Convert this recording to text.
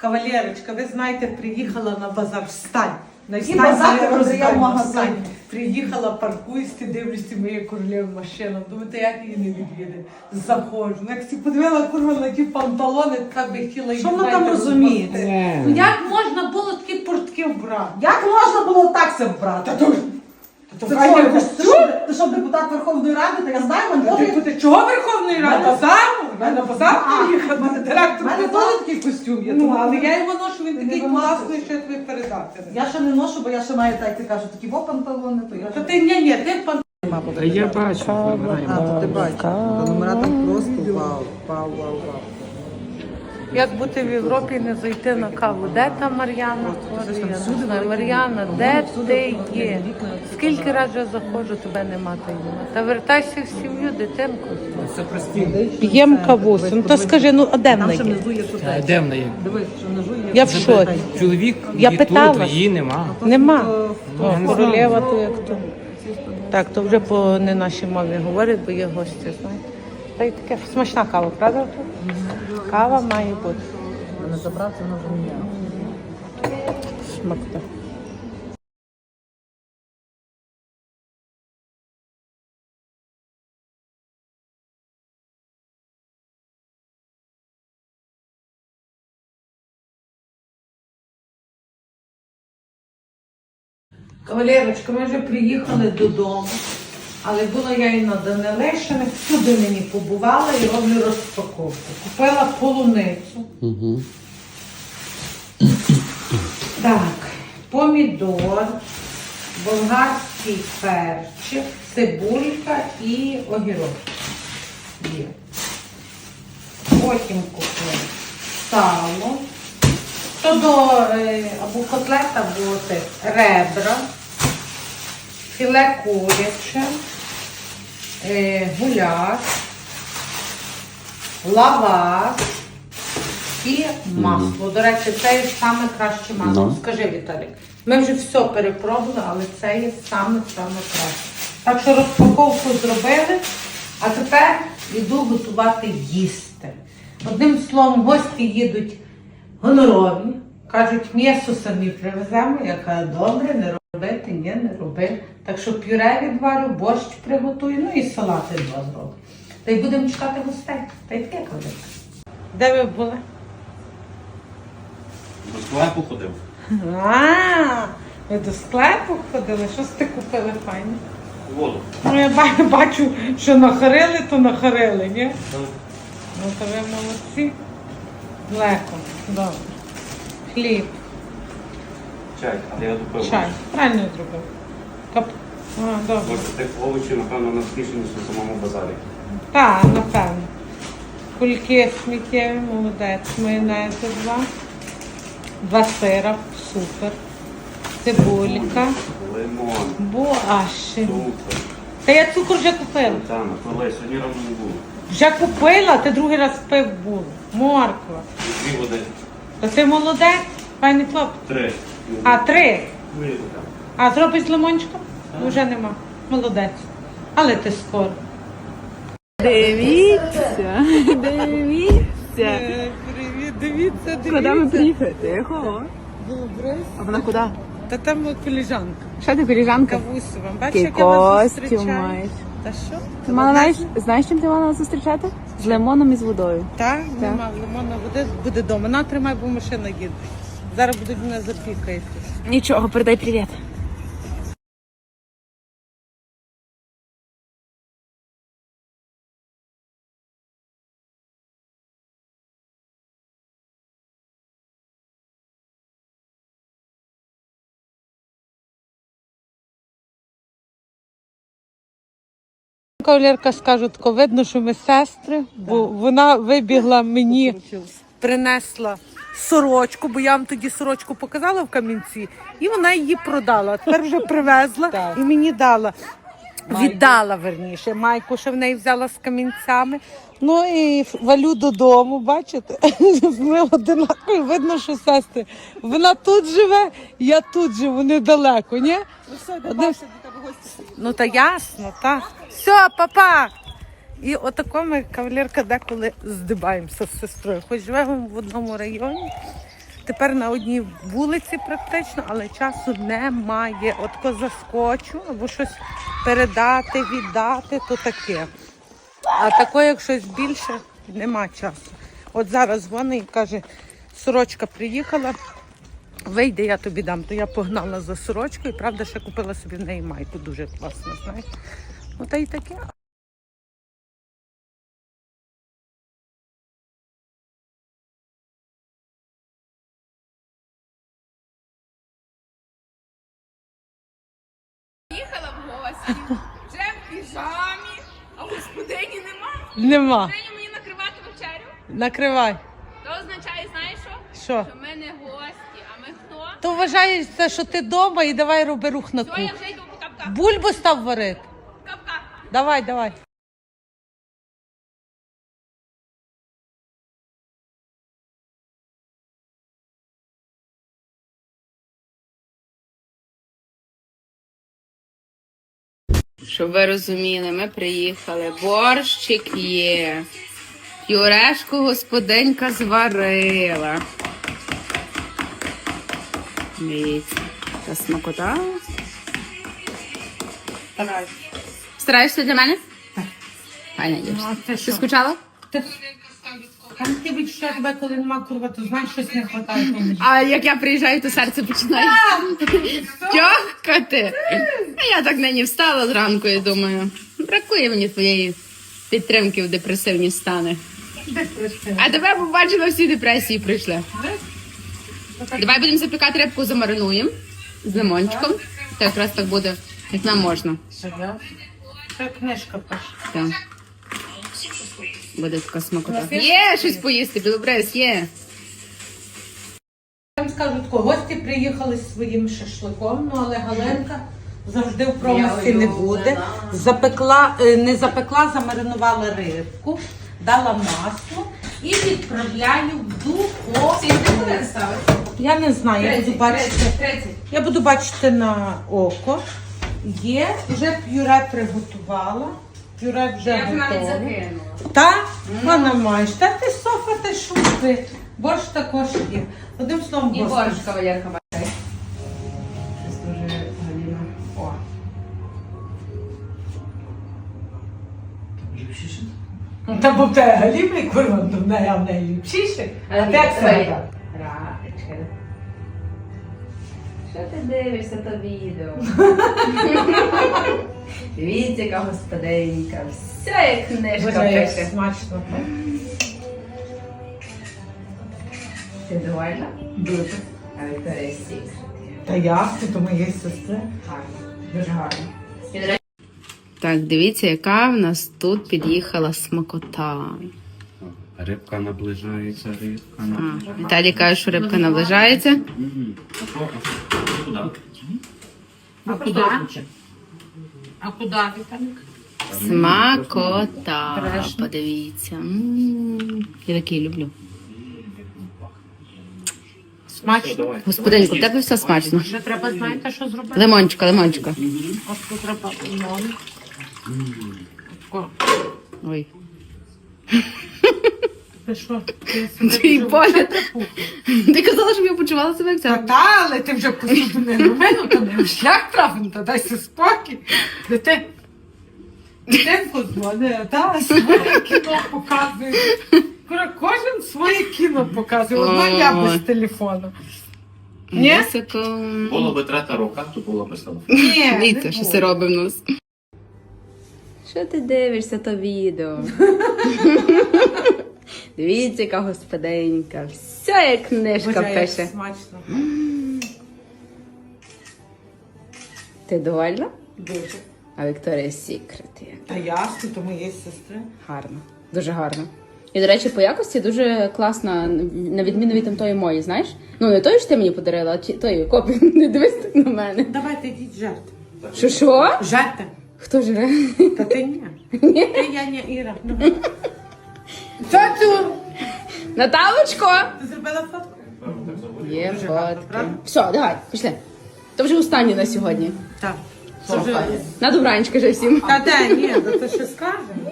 Кавалерочка, ви знаєте, приїхала на базар. Встань. На Який базар ти продає в магазині? встань. Приїхала, паркуюсь, дивлюся, моя королева машина. Думаєте, як її не від'їде? Заходжу. Ну, як ти подивила, курва, на ті панталони, так би хотіла їх. Що вона там розуміє? Ну як можна було такі портки вбрати? Як можна було так це вбрати? Ти що, депутат Верховної Ради? Та я знаю, Ти чого Верховної Ради? Базару? На базар приїхати? Директор мене теж такий костюм є. Ну, Але я його ношу, він такий вимагаю. класний, що я тобі передати. Я ще не ношу, бо я ще маю, так як ти кажеш, такі панталони, то я Та ще... ти, ні, ти Та я бачу. то ти бачиш. Та номера там просто вау. Як бути в Європі і не зайти на каву? Де та Мар'яна? Я не знаю. Мар'яна, де ти є? Скільки разів я заходжу, тебе нема та нема. Та вертайся в сім'ю, дитинку. Це прості. П'єм кавусю. Ну то скажи, ну а де вона Там ще є? внизу є тут. Де вона є? Дивись, що внизу є. Я в шоці. Чоловік Я є питала. тут, її нема. Нема. О, королева то як то. Так, то вже по не нашій мові говорять, бо є гості, знаєте. Та й таке смачна кава, правда? Кава має бути. Не забрав, це вона вже міняє. Смакта. Кавалерочка, ми вже приїхали додому, але була я і на Данилешиних, всюди мені побувала і роблю розпаковку. Купила полуницю. Так, помідор, болгарський перчик, цибулька і огірок. Є. Потім купила сало. То до або котлет, або ребра, філе куряче, гуляш, лаваш і масло. До речі, це є саме краще масло. Скажи, Віталік, ми вже все перепробували, але це є саме краще. Так що розпаковку зробили, а тепер йду готувати їсти. Одним словом, гості їдуть гонорові. Кажуть, м'ясо самі привеземо. Я кажу, добре, не робити, ні, не роби. Так що пюре відварю, борщ приготую, ну і салати два зроблю. Та й будемо чекати гостей. Та й таке кажуть. Де ви були? До склепу ходив. Ви до склепу ходили? Щось ти купили файне? Воду. Ну я бачу, що нахарили, то нахарили, ні? Ну то ви молодці. Леко, добре. Хліб, Чай, але я допив. чай. Правильно зробив. Добре. Бо тих овочів, напевно, навкішені на самому базарі. Так, напевно. Кульки сміттєві, молодець. Майонези два сира, супер. Цибулька, Лимон, буаші. цукор, Та я цукор вже купила. сметана, коли сьогодні рано не було. Вже купила, ти другий раз пив було. Морква. І 2 води. Та ти молодець, файний хлоп. 3. А, 3. Вийду там. А зробиш з лимончиком? Вже нема. Молодець. Але ти скоро. Дивіться, дивіться. Привіт, дивіться, Куди ми приїхали? Тихо. Добре. А вона куди? Та там коліжанка. Що ти, коліжанка? Кавусова. Бачиш, Який як я вас костюм зустрічаю? маєш. Та що? Ти мала, знаєш, чим ти мала нас зустрічати? З лимоном і з водою. Так, нема лимонна води, буде вдома. На, тримай, бо машина їде. Зараз будуть мене запікати. Нічого, передай привіт. Кавалерка, скажу, тако видно, що ми сестри, бо вона вибігла мені, принесла сорочку, бо я вам тоді сорочку показала в Кам'янці, і вона її продала. Тепер вже привезла і мені дала. Віддала, верніше, майку, що в неї взяла з камінцями. Ну і валю додому, бачите? Ми одинакові, видно, що сестри. Вона тут живе, я тут живу, недалеко, ні? Ну та ясно, так. Все, папа! І отако ми, кавалерка, деколи здибаємося з сестрою. Хоч живемо в одному районі, тепер на одній вулиці практично, але часу немає. От ко заскочу, або щось передати, віддати, то таке. А таке, як щось більше, нема часу. От зараз дзвонить і каже, сорочка приїхала, вийде, я тобі дам. То я погнала за сорочкою, правда, ще купила собі в неї майку, дуже класно, знаєш. Ну, та й таке. Їхала в гості, вже в піжамі, а господині нема. Нема. Господині мені накривати вечерю. Накривай. То означає, знаєш що? Що? Що ми не гості, а ми хто? То вважається, що ти вдома і давай роби рух на Все, кухню. я вже йду по капках. Бульбу став варити. Капках. Давай, давай. Щоб ви розуміли, ми приїхали. Борщик є. Пюрешку господинька зварила. Дивіться. Та смакота. Стараєшся для мене? Так. Файна їж. Ну, а це Ти що? скучала? Там ти відчуття тебе, коли нема курва, то знаєш, щось не вистачає. А як я приїжджаю, то серце починає тьохкати. А я так нині встала зранку і думаю, бракує мені твоєї підтримки в депресивні стани. А тебе побачила, всі депресії прийшли. Давай будемо запікати рибку, замаринуємо з лимончиком. То якраз так буде, як нам можна. Це книжка пише. Так. Буде така смакота. Є щось поїсти, білобрез, є. Там скажу тако, гості приїхали зі своїм шашликом, ну але Галенка завжди в промисі не буде. Запекла, не запекла, замаринувала рибку, дала масло і відправляю в духовку. Я не знаю, я буду бачити. Я буду бачити на око. Є, вже пюре приготувала. Пюре вже готове. Та? Вона маєш. Та ти Софа, ти шути. Борщ також є. Одним словом, І борщ. борщ, кавалерка, бачай. Щось дуже Галіна. О. Та бо в тебе галімий курва, то в неї, а в неї ліпшіше. А ти як себе? Рачка. Що ти дивишся то відео? Дивіться, яка господинка. Все як книжка Боже, як пише. смачно. Ти довольна? Дуже. А Вікторія Сік. Та як ти, то моєї сестри. Гарно. Дуже гарно. Так, дивіться, яка в нас тут під'їхала смакота. Рибка наближається, рибка Віталій каже, що рибка наближається. Куди? А куди? А куди, Віталік? Смакота. Подивіться. Я такий люблю. Смачно. Господинку, в тебе все смачно. Вже треба, знаєте, що зробити? Лимончика, лимончика. Ось тут треба лимон. Тако. Ой. Ти що? Ти себе Твій дуже погляд. припух. Ти казала, щоб я почувала себе як Та це. та, але ти вже посуду не робив, то не в шлях трапив, то дайся спокій. Дитинку дзвони, та своє кіно показує. Кожен своє кіно показує, одна я без телефону. Ні? Високо. Було би трата рука, то було б село. Ні, Дивіться, не що було. це робить в нас. Що ти дивишся то відео? Дивіться, яка господинка. Все як книжка Боже, як пише. смачно. Ти довольна? Дуже. А Вікторія Сікрет є. Та ясно, то моєї сестри. Гарно. Дуже гарно. І, до речі, по якості дуже класна, на відміну від тої мої, знаєш? Ну, не тої, що ти мені подарила, а тої копію. Не дивись так на мене. Давайте йдіть жерти. Що? Жерте. Хто жре? Та ти ні. Ти я не Іра. Давай. Цю! Наталочко! Ти зробила фотку? Є Дуже гарно, фотки. правда? Все, давай, пішли. То вже останнє на сьогодні. Так. Це вже... На добраніч, кажи всім. Та де, ні, то ти ще скажеш.